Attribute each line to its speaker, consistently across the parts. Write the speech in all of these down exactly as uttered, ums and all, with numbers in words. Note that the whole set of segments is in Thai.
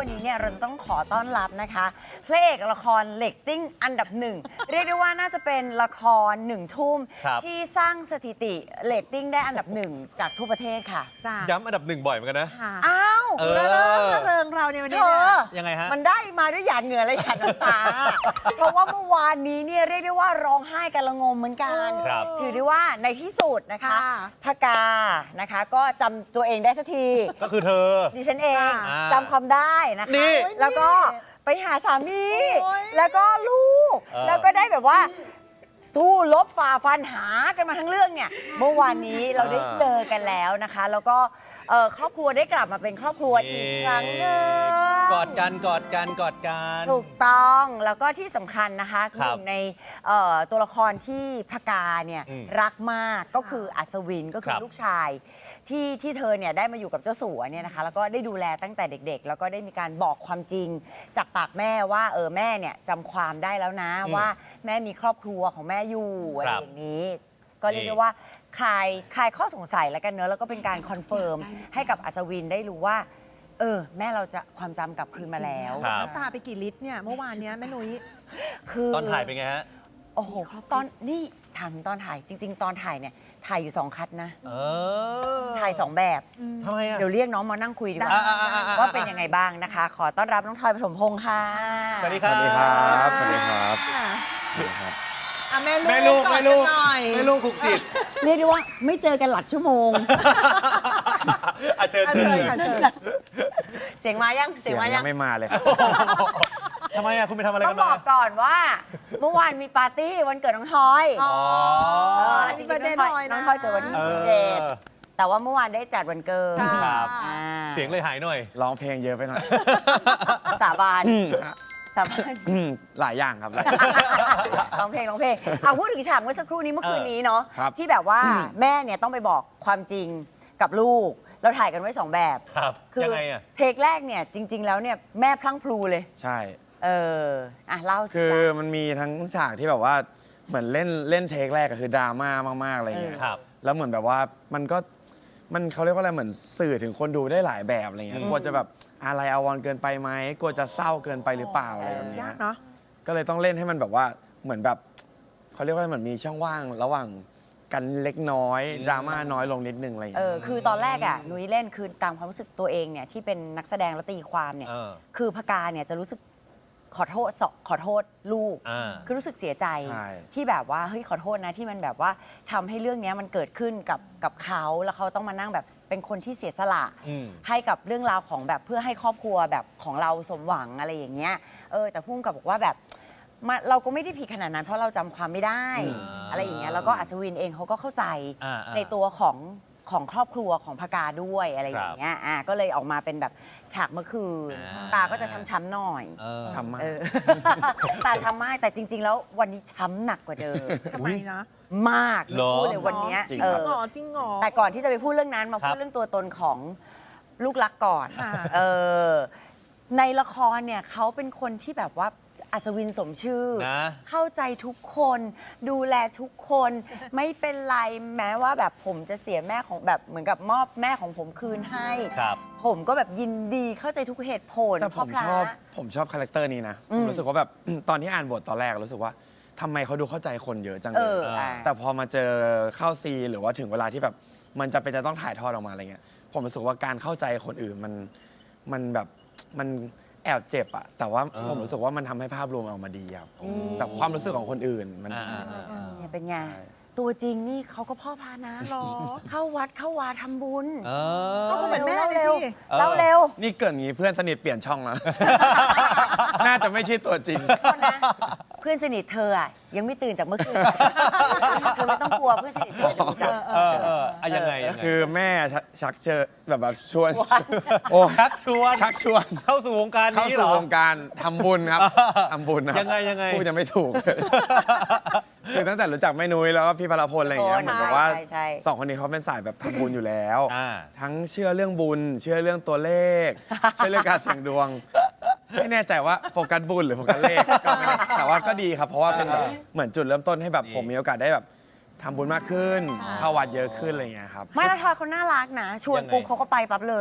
Speaker 1: วันนี้เนี่ยเราจะต้องขอต้อนรับนะคะพระเอกละครเรตติ้งอันดับหนึ่งเรียกได้ว่าน่าจะเป็นละครหนึ่งทุ่มที่สร้างสถิติเรตติ้งได้อันดับหนึ่งจากทั่วประเทศค่ะ
Speaker 2: จ้า
Speaker 3: ย้ำอันดับหนึ่งบ่อยเหมือนกันนะ
Speaker 1: อ้าว
Speaker 3: เออ
Speaker 2: เริงเริงเราในวันนี้
Speaker 3: ยังไงฮะ
Speaker 1: มันได้มาด้วยหยาดเหงื่อและหยาดน้ำตาเพราะว่าเมื่อวานนี้เนี่ยเรียกได้ว่าร้องไห้กันละงมเหมือนกันถือได้ว่าในที่สุดนะคะพกานะคะก็จำตัวเองได้สักที
Speaker 3: ก็คือเธอ
Speaker 1: ดิฉันเองจำความได้นะคะแล้วก็ไปหาสามีแล้วก็ลูกแล้วก็ได้แบบว่าสู้ลบฝ่าฟันหากันมาทั้งเรื่องเนี่ยเมื่อวานนี้เราได้เจอกันแล้วนะคะแล้วก็ครอบครัวได้กลับมาเป็นครอบครัวอีกครั้งหนึ่ง
Speaker 3: กอดกันกอดกันกอดกัน
Speaker 1: ถูกต้องแล้วก็ที่สำคัญนะคะหนึ่งในตัวละครที่พกาเนี่ยรักมากก็คืออัศวินก็คือลูกชายที่ที่เธอเนี่ยได้มาอยู่กับเจ้าสัวเนี่ยนะคะแล้วก็ได้ดูแลตั้งแต่เด็กๆแล้วก็ได้มีการบอกความจริงจากปากแม่ว่าเออแม่เนี่ยจำความได้แล้วนะว่าแม่มีครอบครัวของแม่อยู่อะไรอย่างนี้ก็เรียกได้ว่าคลายคลายข้อสงสัยแล้วกันเนอะแล้วก็เป็นการคอนเฟิร์มให้กับอัศวินได้รู้ว่าเออแม่เราจะความจำกลับคืนมาแล้ว
Speaker 2: น้ำตาไปกี่ลิตรเนี่ยเมื่อวานนี้แม่นุ้ย
Speaker 1: คือ
Speaker 3: ตอนถ่ายเป็นไงฮะ
Speaker 1: โอ้โหตอนนี่ถามตอนถ่ายจริงๆตอนถ่ายเนี่ยถ่ายอยู่สองคัดนะ
Speaker 3: เออ
Speaker 1: ถ่ายสองแบบ
Speaker 3: ทำไมอ่ะ
Speaker 1: เดี๋ยวเรียกน้องมานั่งคุยดีกว่าว่าเป็นยังไงบ้างนะคะขอต้อนรับน้องทอยปฐมพงษ์ค่ะ
Speaker 3: สวัสดีครับ
Speaker 4: สวัสดีครับสวัสดีครับ
Speaker 2: แม่ลูก
Speaker 3: แม่ลูกแม่ลูกผูกจิต
Speaker 1: เรียกได้ว่าไม่เจอกันหลักชั่วโมง
Speaker 3: อาเชิญเชิญ
Speaker 1: เสียงมายัง
Speaker 4: เสียงยังไม่มาเลย
Speaker 3: ทำไมอ่ะคุณไปทำอะไรกัน
Speaker 1: มาต้องบอกก่อนว่าเมื่อวานมีปาร์ตี้วันเกิดน้องทอย
Speaker 3: อ๋อ
Speaker 1: จริงๆน้องทอยน้องทอยเกิดวันที่สิบเจ็ดแต่ว่าเมื่อวานได้จัดวันเกิด
Speaker 3: ครับเสียงเลยหายหน่อย
Speaker 4: ร้องเพลงเยอะไปหน่อย
Speaker 1: สาบานสาบาน
Speaker 4: หลายอย่างครับ
Speaker 1: ร้องเพลงร้องเพลงเอาพูดถึงฉากเมื่อสักครู่นี้เมื่อคืนนี้เนาะที่แบบว่าแม่เนี่ยต้องไปบอกความจริงกับลูกเราถ่ายกันไว้สองแบบ
Speaker 3: ครับยังไงอ่ะ
Speaker 1: เทคแรกเนี่ยจริงๆแล้วเนี่ยแม่พลั้งพลูเลย
Speaker 4: ใช่
Speaker 1: เอออ่ะเล่าสิ
Speaker 4: คือมันมีทั้งฉากที่แบบว่าเหมือนเล่นเล่นเทคแรกก็คือดราม่ามากๆอะไรอย่างเงี้ยแล้วเหมือนแบบว่ามันก็มันเขาเรียกว่าอะไรเหมือนสื่อถึงคนดูได้หลายแบบอะไรเงี้ยกลัวจะแบบอะไรอาวรณ์เกินไปไหมกลัวจะเศร้าเกินไปหรือเปล่าอะไรแบบนี้
Speaker 2: ยากเนาะ
Speaker 4: ก็เลยต้องเล่นให้มันแบบว่าเหมือนแบบเขาเรียกว่าเหมือนมีช่องว่างระหว่างกันเล็กน้อยดราม่าน้อยลงนิดนึงอะไรอย่าง
Speaker 1: เงี้
Speaker 4: ย
Speaker 1: เออคือตอนแรกอ่ะนุ้ยเล่นคือตามความรู้สึกตัวเองเนี่ยที่เป็นนักแสดงและตีความเนี่ยคือพกาเนี่ยจะรู้สึกขอโทษขอโทษลูกคือรู้สึกเสียใจที่แบบว่าเฮ้ยขอโทษนะที่มันแบบว่าทำให้เรื่องนี้มันเกิดขึ้นกับกับเขาแล้วเขาต้องมานั่งแบบเป็นคนที่เสียสละให้กับเรื่องราวของแบบเพื่อให้ครอบครัวแบบของเราสมหวังอะไรอย่างเงี้ยเออแต่พุ่งกับบอกว่าแบบเราก็ไม่ได้ผิดขนาดนั้นเพราะเราจำความไม่ได้อะไรอย่างเงี้ยแล้วก็อัศวินเองเขาก็เข้าใจในตัวของของครอบครัวของพกาด้วยอะไรอย่างเงี้ยอ่ะก็เลยออกมาเป็นแบบฉากเมื่อคืนตาก็จะช้ำๆหน่อย
Speaker 4: ช้ำมาก
Speaker 1: ตาช้ำมากแต่จริงๆแล้ววันนี้ช้ำหนักกว่าเดิม
Speaker 2: ทำไมนะ
Speaker 1: มากพูดเลยวันนี้
Speaker 2: จริงเหรอจริงเหรอ
Speaker 1: แต่ก่อนที่จะไปพูดเรื่องนั้นมาพูดเรื่องตัวตนของลูกรักก่อนเออในละครเนี่ยเขาเป็นคนที่แบบว่าอัศวินสมชื่อเข้าใจทุกคนดูแลทุกคนไม่เป็นไรแม้ว่าแบบผมจะเสียแม่ของแบบเหมือนกับมอบแม่ของผมคืนให้ผมก็แบบยินดีเข้าใจทุกเหตุผล
Speaker 4: แต่ผมชอบผมชอบคาแรคเตอร์นี้นะผมรู้สึกว่าแบบตอนที่อ่านบทตอนแรกรู้สึกว่าทำไมเขาดูเข้าใจคนเยอะจังเลยแต่พอมาเจอเข้าซีหรือว่าถึงเวลาที่แบบมันจะเป็นจะต้องถ่ายทอดออกมาอะไรเงี้ยผมรู้สึกว่าการเข้าใจคนอื่นมันมันแบบมันแอบเจ็บอะแต่ว่าผมรู้สึกว่ามันทำให้ภาพรวมออกมาดีครับแต่ความรู้สึกของคนอื่นมัน
Speaker 1: เนี่ยเป็นไงตัวจริงนี่เขาก็พ่อพานะหรอเข้าวัดเข้าวาทำบุญ
Speaker 2: ก็เหมือนแม่เลยสิ
Speaker 1: เล่าเร็ว
Speaker 4: นี่เกิดงี้เพื่อนสนิทเปลี่ยนช่องแล้วน่าจะไม่ใช่ตัวจริง
Speaker 1: เพื่อนสนิทเธออะยังไม่ตื่นจากเมื่อคืนเธอไม่ต้องกลัวเพื่อนสนิทเธอจะ
Speaker 3: เออเออยังไง
Speaker 4: คือแม่ชักเชิญแบบแบบชวน
Speaker 3: โอ้ชักชวน
Speaker 4: ชักชวน
Speaker 3: เข้าสู่วงการนี้เหรอ
Speaker 4: เข้าสู่วงการทำบุญครับทำบุญ
Speaker 3: ยังไงยังไง
Speaker 4: พูดจะไม่ถูกคือตั้งแต่รู้จักแม่นุ้ยแล้วก็พี่พลพลอะไรอย่างเงี้ยเหมือนกับว่าสองคนนี้เขาเป็นสายแบบทำบุญอยู่แล้วทั้งเชื่อเรื่องบุญเชื่อเรื่องตัวเลขเชื่อเรื่องการเสี่ยงดวงไม่แน่ใจว่าโฟกัสบุญหรือโฟกัสเลขก็ไม่แน่แต่ว่าก็ดีครับเพราะว่าเป็นแบบเหมือนจุดเริ่มต้นให้แบบผมมีโอกาสได้แบบทำบุญมากขึ้นเข้าวัดเยอะขึ้นอะไรอย่างเงี้ยครับ
Speaker 1: ไม่แล้วทอยเขาน่ารักนะชวนปุ๊บเขาก็ไปปั๊บเลย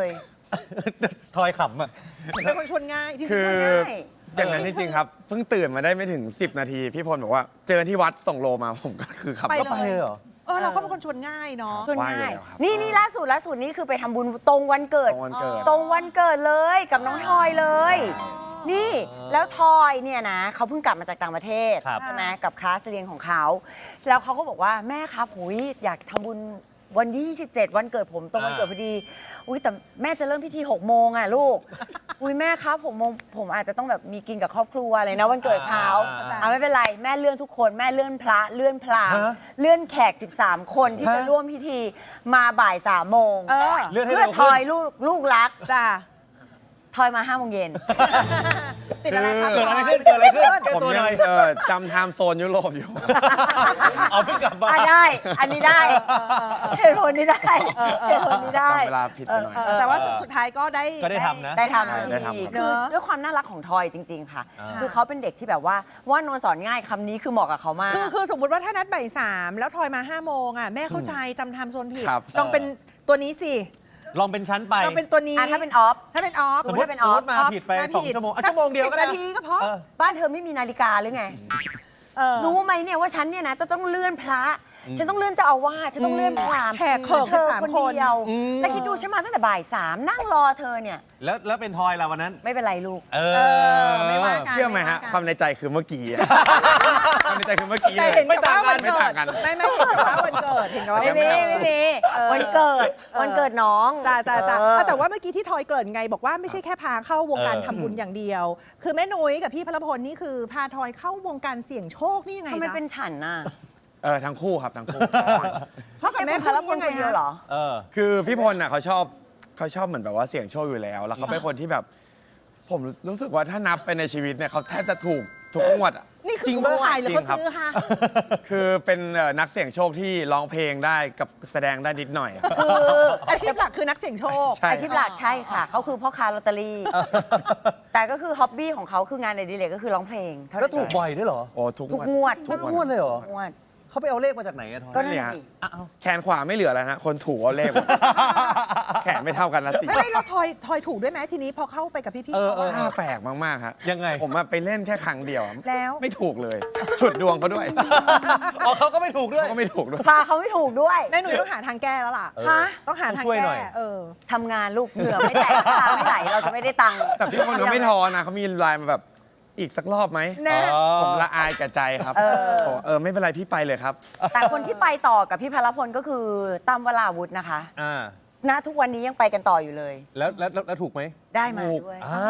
Speaker 3: ทอยขำอ่ะ
Speaker 2: เป็นคนชวนง่ายจริงๆ
Speaker 4: คือ
Speaker 1: ง่าย
Speaker 4: อย่างนั้นจริงๆครับ เพิ่งตื่นมาได้ไม่ถึง สิบ นาที พี่พลบอกว่าเจอที่วัดส่งโลมาผมก็คือขับ
Speaker 2: ไป
Speaker 4: รถ
Speaker 2: เล
Speaker 3: ไปเลย ยเหรอ
Speaker 2: เออเราก็เป็นคนชวนง่ายเนาะ
Speaker 1: ชวน
Speaker 4: ไหว้
Speaker 1: ง่าย
Speaker 4: อยู่แล้วครับ
Speaker 1: นี่นี่ล่าสุดล่าสุดนี่คือไปทำบุญตรงวันเกิด
Speaker 4: ตรงวันเกิด
Speaker 1: ตรงวันเกิดเลยกับน้องทอยเลย นี่
Speaker 3: อ๋อ
Speaker 1: แล้วทอยเนี่ยนะเขาเพิ่งกลับมาจากต่างประเทศ
Speaker 3: ครับ
Speaker 1: ใช่ไหมกับคลาสเรียนของเขา แล้วเขาก็บอกว่าแม่ครับหุยอยากทำบุญวันที่ยี่สิบเจ็ดวันเกิดผมตรงวันเกิดพอดีอุ้ยแต่แม่จะเริ่มพิธีหกโมงอ่ะลูก อุ้ยแม่ครับหกโมงผมอาจจะต้องแบบมีกินกับครอบครัวอะไรนะวันเกิดเขา
Speaker 3: อ่า
Speaker 1: เอาไม่เป็นไรแม่เลื่อนทุกคนแม่เลื่อนพระเลื่อนพราหมณ์
Speaker 3: ฮะ
Speaker 1: เลื่อนแขก สิบสาม คนที่
Speaker 3: ฮะ
Speaker 1: จะร่วมพิธีมาบ่ายสามโมง
Speaker 2: เออ
Speaker 3: เลื่อนให้
Speaker 1: เพื่อ
Speaker 3: เร็ว
Speaker 1: ท
Speaker 3: ขึ้
Speaker 1: อย
Speaker 3: น
Speaker 1: ลูกลูกรัก
Speaker 2: จ้า
Speaker 1: ทอยมาห้าโมงเย็น
Speaker 2: ติดอะไรครับ
Speaker 3: เกิดอะไรขึ้นเกิดอะไรขึ้นแก้
Speaker 4: ผม
Speaker 3: ตัวห
Speaker 4: ยั
Speaker 3: น่
Speaker 4: ง
Speaker 3: อย
Speaker 4: เออจำไทม์โซนยุโรปอยู่
Speaker 3: เอาเพิ่งกลับมา
Speaker 1: อ่ะได้ อันนี้ได้เหตุผลนี้ได้เหตุผลนี้ได้
Speaker 4: จำเวลาผิดไปหน่อย
Speaker 2: เออแต่ว่าสุดท้ายก็ได้
Speaker 3: ก็ได้ทำนะ
Speaker 1: ได้ท
Speaker 4: ได้
Speaker 1: ำ
Speaker 4: ทำ
Speaker 1: อีก
Speaker 4: ครับ
Speaker 1: คือ
Speaker 2: เนอะ
Speaker 1: ด้วยความน่ารักของทอยจริง ๆ ค่ะ
Speaker 3: อ่า
Speaker 1: คือเขาเป็นเด็กที่แบบว่าว่านอนสอนง่ายคำนี้คือเหมาะกับเขามาก
Speaker 2: คือคือสมมติว่าถ้านัดบ่ายสามแล้วทอยมาห้าโมงอ่ะแม่เข้าใจจำไทม์โซนผิด
Speaker 4: ครับ
Speaker 2: ลองเป็นตัวนี้สิ
Speaker 3: ลองเป็นชั้นไป
Speaker 2: ลองเป็นตัวนี้
Speaker 1: อ่ะถ้าเป็นออฟ
Speaker 2: ถ้าเป็นออฟ
Speaker 3: สมมติ
Speaker 1: ถ้าเป็นออฟ
Speaker 3: สมมติมาผิดไป
Speaker 2: มา
Speaker 3: สอง
Speaker 2: ผิด
Speaker 3: ชั่วโมงอ่ะ
Speaker 2: สัก
Speaker 3: ชั่วโมงเดียวก็ได้
Speaker 2: สิบนาทีก็พอ
Speaker 3: เออ
Speaker 1: บ้านเธอไม่มีนาฬิกาหรือไง
Speaker 2: เออ
Speaker 1: รู้ไหมเนี่ยว่าฉันเนี่ยนะจะต้องเลื่อนพระ ฉันต้องเลื่อนเจ้าอาวาสฉันต้องเลื่อนพราหมณ์
Speaker 2: แขกเขิก
Speaker 1: เธอ
Speaker 2: สาม
Speaker 1: คน
Speaker 2: คน
Speaker 1: เดียว
Speaker 3: อืม
Speaker 1: แล้วคิดดูฉันมาตั้งแต่บ่ายสามนั่งรอเธอเนี่ย
Speaker 3: แล้วแล้วเป็นทอยล่ะวันนั้น
Speaker 1: ไม่เป็นไรลูก
Speaker 3: เอ
Speaker 2: เอ
Speaker 3: อ
Speaker 2: อไม่ว่ากัน
Speaker 4: เชื่อไหมฮะ
Speaker 2: ไว่
Speaker 4: ความในใจคือเมื่อกี้อะความในใจคือเมื่อกี้
Speaker 2: แต่
Speaker 4: เลย
Speaker 2: เห็น
Speaker 4: ไม่
Speaker 2: กับ
Speaker 4: ต่าง
Speaker 2: ว่า
Speaker 4: กั
Speaker 2: วัน น
Speaker 4: ไม่
Speaker 2: เกิ
Speaker 4: ต่า
Speaker 2: ด
Speaker 4: งกัน
Speaker 2: ไม่ไม่เห็นกับว่าวันเกิดเห็นกับว่า
Speaker 1: ไม่
Speaker 2: วัน
Speaker 1: มี
Speaker 2: เกิด
Speaker 1: ไม่มี
Speaker 2: เออ
Speaker 1: วันเกิด
Speaker 2: เออ
Speaker 1: วันเกิดน้อง
Speaker 2: จ้าจ้าจ้า
Speaker 1: เออ
Speaker 2: แต่ว่าเมื่อกี้ที่ทอยเกริ่นไงบอกว่าไม่ใช่แค่พาเข้าวงการ
Speaker 3: เออ
Speaker 2: ทำบุญอย่างเดียว คือแม่นุ้ยกับพี่พลพลนี่คือพาทอยเข้าวงการเสี่ยงโชคนี่ยังไง
Speaker 1: ทำไม
Speaker 2: จ๊ะ
Speaker 1: เป็นฉันน่ะ
Speaker 4: เออทั้งคู่ครับทั้งคู่
Speaker 2: เพราะกับแม่
Speaker 1: พลพล
Speaker 2: ยัง
Speaker 1: ค
Speaker 2: ไง
Speaker 1: นเดียว
Speaker 2: ฮะ
Speaker 1: เหรอ
Speaker 3: เออ
Speaker 4: คือพี่พลน่ะเขาชอบเขาชอบเหมือนแบบว่าเสี่ยงโชคอยู่แล้ว แล้วเขาเป็นคนที่แบบ ผมรู้สึกว่าถ้านับไปในชีวิตเนี่ยเขาแทบจะถูกทุกงวดอ่ะ
Speaker 2: นี่คือ
Speaker 3: จริง
Speaker 2: เขา
Speaker 3: ปะ
Speaker 2: ขายหรือเขา
Speaker 4: จริงครับ
Speaker 2: ซื้อฮะ
Speaker 4: คือเป็นเอ่อนักเสี่ยงโชคที่ร้องเพลงได้กับแสดงได้นิดหน่อย
Speaker 1: คือ
Speaker 2: อาชีพหลักคือนักเสี่ยงโชค
Speaker 4: ใช่
Speaker 1: อาชีพหลักใช่ค่ะ เขาคือพ่อค้าลอตเตอรี่ แต่ก็คือฮ็อบบี้ของเขาคืองานในดีเลยก็คือร้องเพลงเท่า
Speaker 3: แล้ว
Speaker 1: นั้น
Speaker 3: ถูกบ่อยด้วยเหรอ
Speaker 4: โอ้ทุก
Speaker 1: ทุก
Speaker 4: ง
Speaker 1: ง
Speaker 4: ว
Speaker 1: ว
Speaker 4: ด
Speaker 1: ด
Speaker 3: ทุกงวดเลยเหรอ
Speaker 1: ทุกงวด
Speaker 3: เขาไปเอาเลขมาจากไหนอะทอย
Speaker 1: ก็นั่น
Speaker 4: เนี่ย
Speaker 1: น่ะสิ
Speaker 3: อ้าว
Speaker 4: แขนขวาไม่เหลือแล้วนะ คนถูเอาเลขหมดแขนไม่เท่ากันละสิ
Speaker 2: ไม่ไม่แล้วทอยทอยถูกด้วยไหมทีนี้พอเข้าไปกับพี่ๆ
Speaker 3: เออ
Speaker 2: เขา
Speaker 3: เออ
Speaker 2: อะ
Speaker 4: น่าแปลกมากๆครับ
Speaker 3: ยังไง
Speaker 4: ผมอะไปเล่นแค่ครั้งเดียวอะ
Speaker 2: แล้ว
Speaker 4: ไม่ถูกเลย ฉุดดวงเขาด้วย
Speaker 3: อ๋อเขาก็ไม่ถูกด้วย
Speaker 4: เขาก็ไม่ถูกด้วย
Speaker 1: พาเขาไม่ถูกด้วย
Speaker 2: แม่หนุ่ยต้องหาทางแก้แล้วล่ะ
Speaker 3: เออ
Speaker 1: ฮะ
Speaker 2: ต้องหาทาง
Speaker 3: ช่วยหน่
Speaker 2: แก้
Speaker 3: อย
Speaker 2: เออ
Speaker 1: ทำงานลูกเหงื่อไม่แตกตาไม่ไหลเราจะไม่ได้ตังค์
Speaker 4: แต่พี่คนเขาไม่ทอนะเขามีไลน์มาแบบอีกสักรอบไหม
Speaker 2: แน่
Speaker 3: อ๋อ
Speaker 4: ผมละอายกับใจครับ
Speaker 1: เออ
Speaker 4: บอกเออไม่เป็นไรพี่ไปเลยครับ
Speaker 1: แต่คนที่ไปต่อกับพี่พลพลก็คือตั้มวราวุธนะคะ
Speaker 3: อ่า
Speaker 1: ณทุกวันนี้ยังไปกันต่ออยู่เลย
Speaker 3: แล้วแล้วแล้วแล้วถูกไหม
Speaker 1: ได้มา
Speaker 4: ถูก
Speaker 1: ด้วย
Speaker 3: อ้าว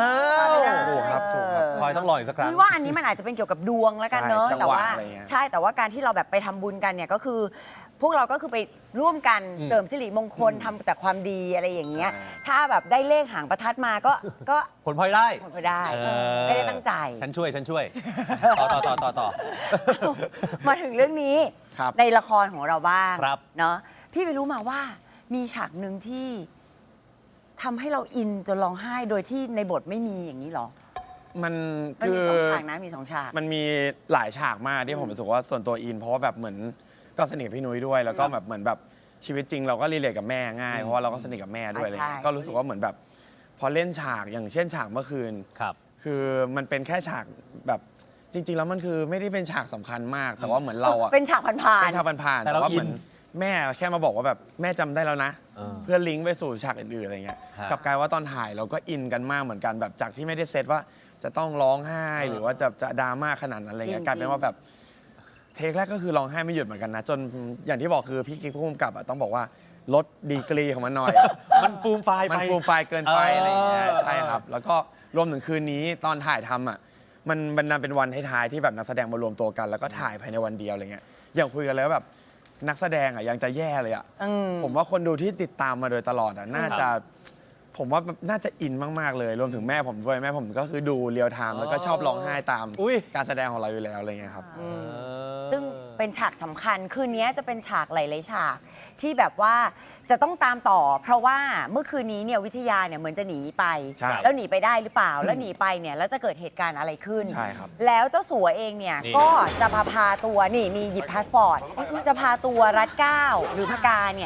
Speaker 4: ถูกครับถูกครับ
Speaker 3: ทอยต้องรออีกสักครั้ง
Speaker 1: นี่ว่าอันนี้มันอาจจะเป็นเกี่ยวกับดวงแล้วกันเนอะ
Speaker 4: ใช่จัง
Speaker 1: แต่
Speaker 4: หวะ
Speaker 1: ว่า
Speaker 4: อะไรเงี้ย
Speaker 1: ใช่แต่ว่าการที่เราแบบไปทำบุญกันเนี่ยก็คือ พวกเราก็คือไปร่วมกัน
Speaker 3: อืม
Speaker 1: เสริมสิริมงคลทำแต่ความดีอะไรอย่างเงี้ย ถ้าแบบได้เลขหางประทัดมาก็ก็
Speaker 3: ผลพลอยได้
Speaker 1: ผลพอได้
Speaker 3: เออ
Speaker 1: ไม่ได้ตั้งใจ
Speaker 3: ฉันช่วยฉันช่วย ต่อต่อต่อต่อต่อ
Speaker 1: มาถึงเรื่องนี้
Speaker 4: ครับ
Speaker 1: ในละครของเราบ้าง
Speaker 3: ครับ
Speaker 1: เนาะพี่ไปรู้มาว่ามีฉากหนึ่งที่ทำให้เราอินจนร้องไห้โดยที่ในบทไม่มีอย่างนี้หรอ
Speaker 4: มัน
Speaker 1: มัน
Speaker 4: คื
Speaker 1: มี
Speaker 4: อ
Speaker 1: สองฉากนะมีสองฉาก
Speaker 4: มันมีหลายฉากมากที่ผมรู้สึกว่าส่วนตัวอิน เพราะว่าแบบเหมือนก็สนิทกับพี่นุ้ยด้วย แล้วก็แบบเหมือนแบบชีวิตจริงเราก็รีเลทกับแม่ง่ายเพราะว่าเราก็สนิทกับแม่ด้วยอะไรเงี้ยก็รู้สึกว่าเหมือนแบบ พอเล่นฉากอย่างเช่นฉากเมื่อคืน
Speaker 3: ครับ
Speaker 4: คือมันเป็นแค่ฉากแบบจริง ๆ แล้วมันคือไม่ได้เป็นฉากสำคัญมาก แต่ว่าเหมือนเราอะ
Speaker 1: เป็นฉากผ่าน
Speaker 4: เป็นฉากผ่านๆ
Speaker 3: แต่
Speaker 4: แต่
Speaker 3: เรา
Speaker 4: ว่าเหมือน
Speaker 3: อิน
Speaker 4: แม่แค่มาบอกว่าแบบแม่จำได้แล้วนะ
Speaker 3: เออ
Speaker 4: เพื่อลิงก์ไปสู่ฉากอื่นๆอะไรเงี้ย
Speaker 3: ครับ
Speaker 4: กลับกลายว่าตอนถ่ายเราก็อินกันมากเหมือนกันแบบจากที่ไม่ได้เซตว่าจะต้องร้องไห้
Speaker 3: เออ
Speaker 4: หรือว่าจะจะดราม่าขนาดนั้นอะไรเงี้ยกลายเป็นว่าแบบเทคแรกก็คือร้องไห้ไม่หยุดเหมือนกันนะ จนอย่างที่บอกคือพี่กิ๊กผู้กำกับอะต้องบอกว่าลดดีกรีของมันหน่อย
Speaker 3: มันฟูมไฟล์ไป
Speaker 4: มันฟูมไฟล์เกินไป
Speaker 3: เอออ
Speaker 4: อะไรอย่างเงี้ยใช่ครับ แล้วก็รวมถึงคืนนี้ตอนถ่ายทำอ่ะมันมันนำเป็นวันท้ายๆที่แบบนักแสดงมารวมตัวกัน แล้วก็ถ่ายภายในวันเดียวอะไรเงี้ยอย่างคุยกันแล้วาแบบนักแสดงอ่ะยังจะแย่เลยอ่ะ
Speaker 1: ๆอืม
Speaker 4: ผมว่าคนดูที่ติดตามมาโดยตลอดอ่ะน่าจะ ผมว่าน่าจะอินมากๆเลย รวมถึงแม่ผมด้วยแม่ผมก็คือดูเรียลไทม์แล้วก็ชอบร้องไห้ตาม
Speaker 3: อุ๊ย
Speaker 4: การแสดงของเราอยู่แล้วอะไรเงี้ยครับ
Speaker 1: อืม ซึ่งเป็นฉากสำคัญ คืนนี้จะเป็นฉากหลายๆฉากที่แบบว่าจะต้องตามต่อ เพราะว่าเมื่อคืนนี้เนี่ยวิทยาเนี่ยเหมือนจะหนีไป
Speaker 4: ใช่
Speaker 1: แล้วหนีไปได้หรือเปล่า แล้วหนีไปเนี่ยแล้วจะเกิดเหตุการณ์อะไรขึ้น
Speaker 4: ใช่ครับ
Speaker 1: แล้วเจ้าสัวเองเนี่ย
Speaker 3: นี่
Speaker 1: ก็จะพาพาตัวนี่มีหยิบพาสปอร์ตจะพาตัวรัดเกล้าหรือพกาเนี่ย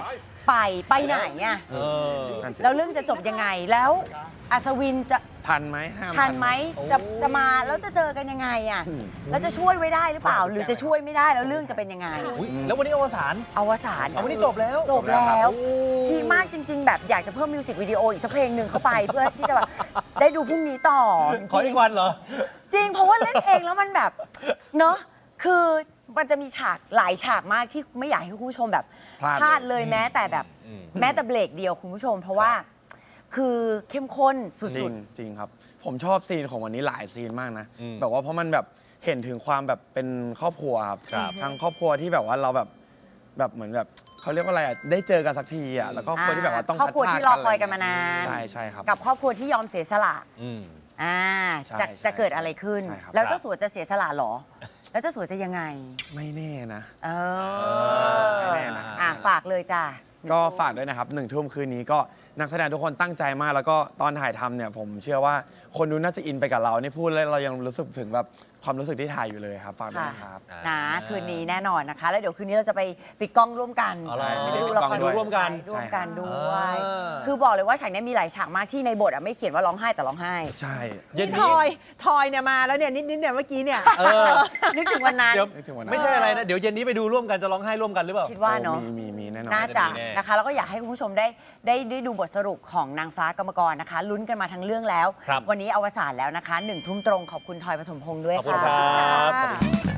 Speaker 1: ไปไปไหนอ่ะ
Speaker 3: เออ
Speaker 4: นั่นสิ
Speaker 1: แล้วเรื่องจะจบยังไงแล้วอัศวินจะ
Speaker 4: ทันไหมห้าม
Speaker 1: ทันไหมจะจะมาแล้วจะเจอกันยังไงอ่ะแล้วจะช่วยไว้ได้หรือเปล่า หรือจะช่วยไม่ได้แล้วเรื่องจะเป็นยังไง
Speaker 3: อุ๊ยแล้ววันนี้อวสาน
Speaker 1: อวสาน
Speaker 3: เอาวันนี้จบแล้ว
Speaker 1: จบแล้ว
Speaker 3: โอ้
Speaker 1: พีคมากจริง ๆ แบบอยากจะเพิ่มมิวสิกวิดีโออีกสักเพลงหนึ่งเข้าไป เพื่อที่จะแบบได้ดูพรุ่งนี้ต่อ
Speaker 3: ขออีกวันเหรอ
Speaker 1: จริงเพราะว่าเล่นเองแล้วมันแบบเนาะคือมันจะมีฉากหลายฉากมากที่ไม่อยากให้คุณผู้ชมแบบ
Speaker 4: พลาด
Speaker 1: พลาดเลยแม้แต่แบบ
Speaker 3: อืม
Speaker 1: แม้แต่เบรกเดียวคุณผู้ชม เพราะว่าคือเข้มข้นสุ
Speaker 4: จริ
Speaker 1: ด
Speaker 4: งจริงครับ ผมชอบซีนของวันนี้หลายซีนมากนะ
Speaker 3: อืม
Speaker 4: แบบว่าเพราะมันแบบเห็นถึงความแบบเป็นครอบครัวครับ
Speaker 3: ครับ
Speaker 4: ทั้งครอบครัวที่แบบว่าเราแบบแบบเหมือนแบบเขาเรียกว่าอะไรอ่ะได้เจอกันสักทีอ่ะแล้วก็ครอบครัวที่แบบว่าต้อง
Speaker 1: ครอบครัว
Speaker 4: พัดพ
Speaker 1: ที่
Speaker 4: ร
Speaker 1: ร
Speaker 4: ก
Speaker 1: อคอยกันมานาน
Speaker 4: ใช่ใช่ครับ
Speaker 1: กับครอบครัวที่ยอมเสียสละ
Speaker 3: อืม
Speaker 1: อ่า
Speaker 4: ใช่
Speaker 1: จะ
Speaker 4: ใช่
Speaker 1: จะเกิดอะไรขึ้น
Speaker 4: ใช่ครับ
Speaker 1: แล้วเจ้าสัวจะเสียสละเหรอ แล้วเจ้าสัวจะยังไง
Speaker 4: ไม่แน่นะ
Speaker 1: เอ
Speaker 4: ไม่
Speaker 1: อ
Speaker 4: แน่นะ
Speaker 1: อ่ะฝากเลยจ้ะ
Speaker 4: ก็ฝากด้วยนะครับหนึ่งทุ่มคืนนี้ก็นักแสดงทุกคนตั้งใจมาก แล้วก็ตอนถ่ายทำเนี่ยผมเชื่อว่าคนดูน่าจะอินไปกับเรานี่พูดแล้วเรายังรู้สึกถึงแบบความรู้สึกที่ถ่ายอยู่เลยครับฝากด้วยนะครับ
Speaker 3: อ่า
Speaker 1: นะคืนนี้แน่นอนนะคะ แล้วเดี๋ยวคืนนี้เราจะไปปิดกล้องร่วมกัน
Speaker 3: อ๋อเหรอ
Speaker 1: ไปดูละคร
Speaker 4: ปิดกล้องด้วย
Speaker 3: ร่วมกัน
Speaker 1: ร่วมกันด้วย
Speaker 3: อ่า
Speaker 1: คือบอกเลยว่าฉากนี้มีหลายฉากมากที่ในบทอ่ะไม่เขียนว่าร้องไห้แต่ร้องไห้
Speaker 4: ใช่
Speaker 3: เย็น
Speaker 2: นี่
Speaker 3: นี้
Speaker 2: ทอยทอยเนี่ยมาแล้วเนี่ยนิดๆเนี่ยเมื่อกี้เนี่ย
Speaker 3: เออ
Speaker 1: นึกถึงวันนั้น
Speaker 3: เดี๋ยว
Speaker 4: นึกถึงวันนั้น
Speaker 3: ไม่ใช่อะไรนะ เดี๋ยวเย็นนี้ไปดูร่วมกันจะร้องไห้ร่วมกันหรือเปล่า
Speaker 1: คิดว่าเนาะ
Speaker 4: โอ้มีมีมีแน่นอน
Speaker 1: น่าจะ
Speaker 3: น่าจะมีแน่
Speaker 1: นะคะ แล้วก็อยากให้คุณผู้ชมได้ได้ได้ดูบทสรุปของนางฟ้ากรรมกรนะคะลุ้นกันมาทั้งเรื่องแล้ว
Speaker 3: ครับ
Speaker 1: วันนี้อวสานแล้วนะคะหนึ่งทุ่มตรงขอบคุณทอยปฐมพงษ์ด้วย
Speaker 3: ขอบคุณ
Speaker 1: ค่ะ
Speaker 3: ครับ
Speaker 2: ค่ะ